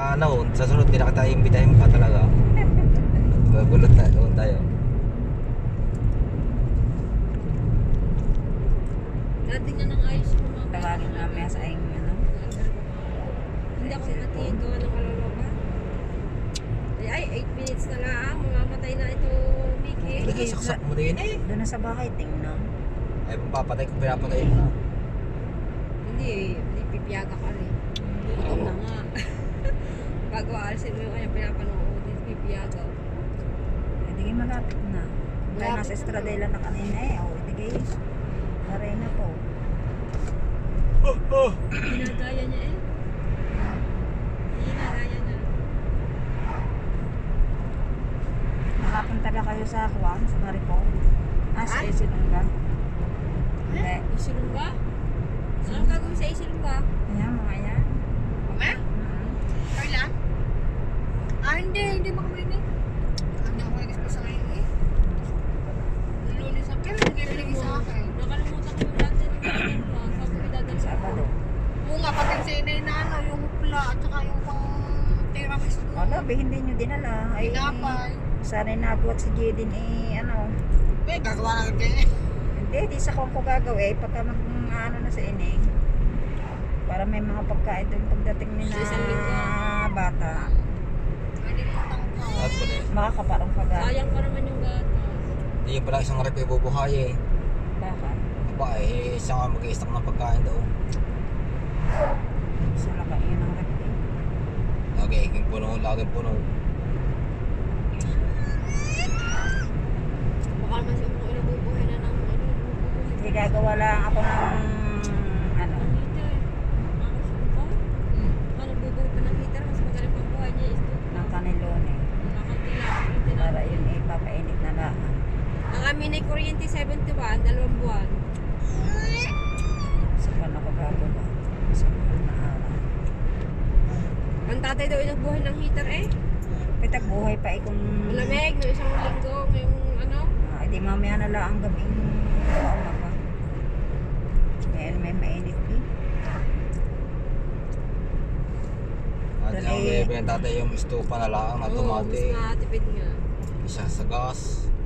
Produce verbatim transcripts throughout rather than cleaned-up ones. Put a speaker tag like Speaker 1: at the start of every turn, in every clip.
Speaker 1: ano, sa sunod hindi na kita imbitahin pa talaga. Gagulot na doon tayo.
Speaker 2: Dati nga nang ayos yung mga
Speaker 3: Tawagin namin sa ayong ano.
Speaker 2: Hindi ako matiin gawa ng kaloloka. Ay, ay, eight minutes na lang. Mamamatay na ito, Mickey.
Speaker 1: Sige, saksak mo din eh.
Speaker 3: Doon na sa bahay, tingnan.
Speaker 1: Ay, papatay ko, pinapatay mo na.
Speaker 2: Hindi, hindi pipiyaga ka rin. Gutom na nga. Bago aalisin mo yung kanya pinapanood, hindi pipiyaga.
Speaker 3: Hindi kayo malapit na. Kaya nasa Estradela na kanina eh. O, hindi kayo. Naray na po.
Speaker 2: Ginagaya niya eh. Ginagaya niya.
Speaker 3: Nakapunta na kayo sa Juan, sa Maripol. Ah, sa
Speaker 2: Ah?
Speaker 3: Isilunga. Hindi.
Speaker 2: Isilungga? Anong gagawin sa Isilungga?
Speaker 3: Ayan, mga yan.
Speaker 2: Mama?
Speaker 3: Hmm.
Speaker 2: Kailan? Ah, hindi. Hindi makamini. Hindi ako nag-express sa ngayon eh. Lunes sa kailan hindi binigay sa akin. Nakalimutan ko yung dati ng ganyan pa. Sabi ko dadalhin ko.
Speaker 3: Sabado.
Speaker 2: Oo nga, pati yung sinay na ano, yung hupla at saka yung pang tiramisu.
Speaker 3: Ano, be, hindi nyo dinala. Ay,
Speaker 2: Pinapay.
Speaker 3: sana nabuhat si Jaden eh, ano.
Speaker 2: Eh, gagawa na ganyan eh.
Speaker 3: Hindi, di sa kung ko gagawin. Eh, pagka mag, ano na sa ining. Para may mga pagkain doon pagdating ni
Speaker 2: Sa isang linggo.
Speaker 3: na bata.
Speaker 2: Nalimutan ko.
Speaker 1: At po na eh.
Speaker 3: Makakaparang pagkain.
Speaker 2: Sayang pa naman yung gatas.
Speaker 1: Hindi yung pala isang rep ay bubuhay eh.
Speaker 3: Bakit?
Speaker 1: Aba eh, isang nga mag-i-stock ng pagkain daw.
Speaker 3: Gusto lang kayo ng rep eh.
Speaker 1: Lagi iking puno, laging puno.
Speaker 2: Baka naman siya kung inabubuhay na ng ano, nabubuhay.
Speaker 3: Hindi gagawa lang ako ng ano.
Speaker 2: Ang heater. Makakasunod ba? Baka nagbubuhay pa ng heater, mas magaling pang buhay niya is doon.
Speaker 3: Ng kanilon eh.
Speaker 2: Kakunti lang. Kakunti lang.
Speaker 3: Para yun eh, papainit na lang.
Speaker 2: Ang amin ay kuryente seventy-one, dalawang buwan.
Speaker 3: Sa pan ako gagawa. Sa mahal na araw.
Speaker 2: Ang tatay daw ay nagbuhay ng heater eh.
Speaker 3: Pitag buhay pa eh kung...
Speaker 2: Malamig, no isang linggo, ngayong ano.
Speaker 3: Ah, di mamaya na lang ang gabing umaga. Dahil may mainit eh.
Speaker 1: At
Speaker 3: Dali.
Speaker 1: yung may pinatay yung estufa na lang na
Speaker 2: Oo,
Speaker 1: tumati.
Speaker 2: mas natipid nga.
Speaker 1: Isa sa gas.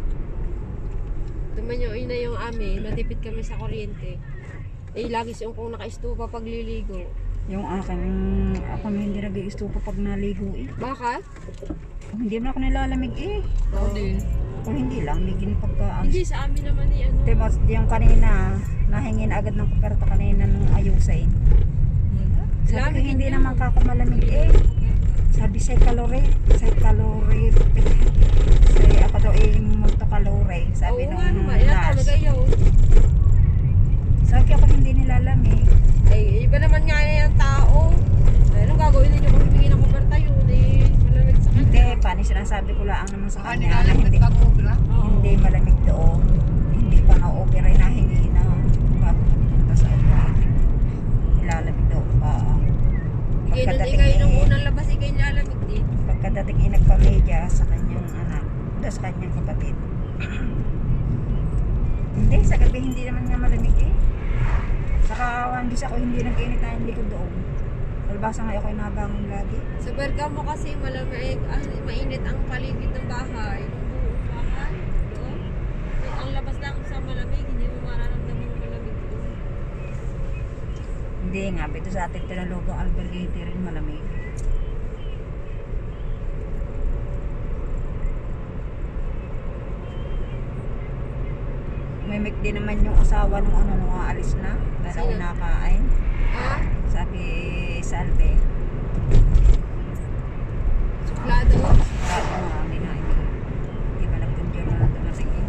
Speaker 2: Tuman nyo, yun na yung amin, matipid kami sa kuryente. Eh, lagi siyang kung naka-estupa pag liligo.
Speaker 3: Yung akin, ako na hindi nag-i-stupa pag naligo eh.
Speaker 2: Bakit?
Speaker 3: Hindi mo ako nilalamig eh.
Speaker 2: Oo din.
Speaker 3: O hindi lang, ligin pagka...
Speaker 2: Hindi, sa amin naman eh, ano.
Speaker 3: Diba, yung kanina, nahingin agad ng kuperta kanina nung ayusin. Sabi ko,
Speaker 2: Lamig
Speaker 3: hindi
Speaker 2: yun.
Speaker 3: naman kako malamig eh. Sabi, say kalori. Say kalori. Say, ako daw eh, multo kalori. Sabi
Speaker 2: Oo
Speaker 3: nung
Speaker 2: nga naman, yan
Speaker 3: nurse.
Speaker 2: talaga yun.
Speaker 3: Sabi ako, hindi nilalamig.
Speaker 2: Ay, iba naman nga yan tao. Ay, anong gagawin ninyo kung humingi ng kuperta yun eh? Malamig sa
Speaker 3: Hindi,
Speaker 2: kanya.
Speaker 3: paano sinasabi ko lang naman sa
Speaker 2: Ah,
Speaker 3: kanya na hindi,
Speaker 2: Oo.
Speaker 3: hindi malamig doon. Hindi pa na-opera na hingi na bago pumunta sa operating. Nilalamig doon pa.
Speaker 2: Ikay nun, ikay nung unang labas, ikay nilalamig din.
Speaker 3: Pagkadating ay nagpamedya sa kanyang anak, o sa kanyang kapatid. Hindi, sa gabi hindi naman nga malamig eh. Saka one bis ako hindi nag-init na yung likod doon. Palbasa nga ako ay nabangon lagi.
Speaker 2: Sa Bergamo kasi malamig, ah, mainit ang paligid ng bahay. Yung buong bahay, doon. Eh, ang labas lang sa malamig, hindi mo mararamdaman yung malamig doon.
Speaker 3: Hindi nga, ito sa ating tinalugong albergate rin malamig. May mic din naman yung asawa nung ano nung aalis na. Dahil ako
Speaker 2: Sino?
Speaker 3: nakain.
Speaker 2: Ha?
Speaker 3: Sabi, Salve.
Speaker 2: Suplado?
Speaker 3: Sabi mo kami na hindi. Hindi ba nagpundiyo na dumating eh.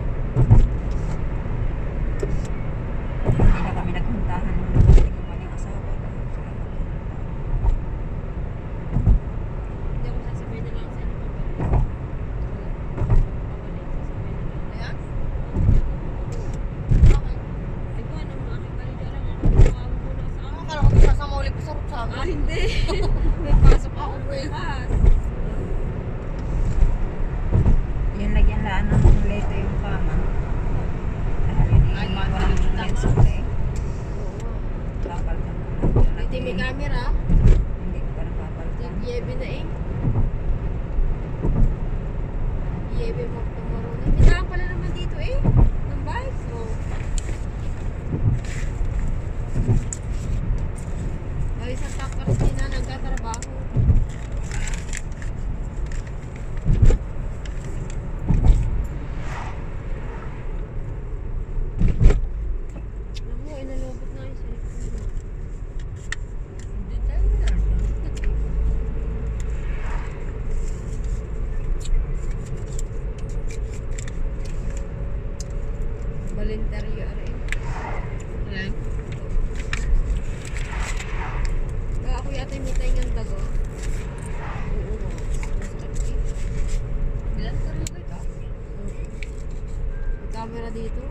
Speaker 3: Hindi na kami nagpuntahan nung dumating yung kanyang asawa. Sila nagpunta.
Speaker 2: Hindi ako sasabihin na lang sa inyo pabalik. Pabalik, sasabihin na lang. Ayan? Bakit? Ay ko, ano mga aking balita lang. Ako ginawa mo muna sa akin.
Speaker 4: Akala ko isa sa muli ko sa Rutsama.
Speaker 2: Ah, hindi. Yebe na eh. Yebe mo tomorrow na. May daan pala naman dito eh. Ng bike. So, ay, isang takers din na nagtatrabaho. Alam mo, inalobot na yung cellphone mo.
Speaker 3: Hindi tayo na.
Speaker 2: Voluntaryo rin.
Speaker 3: Yan.
Speaker 2: Kaya ako yata yung mitay ng dago. Oo, masakit eh.
Speaker 3: Ilan ka rin ito?
Speaker 2: May camera dito.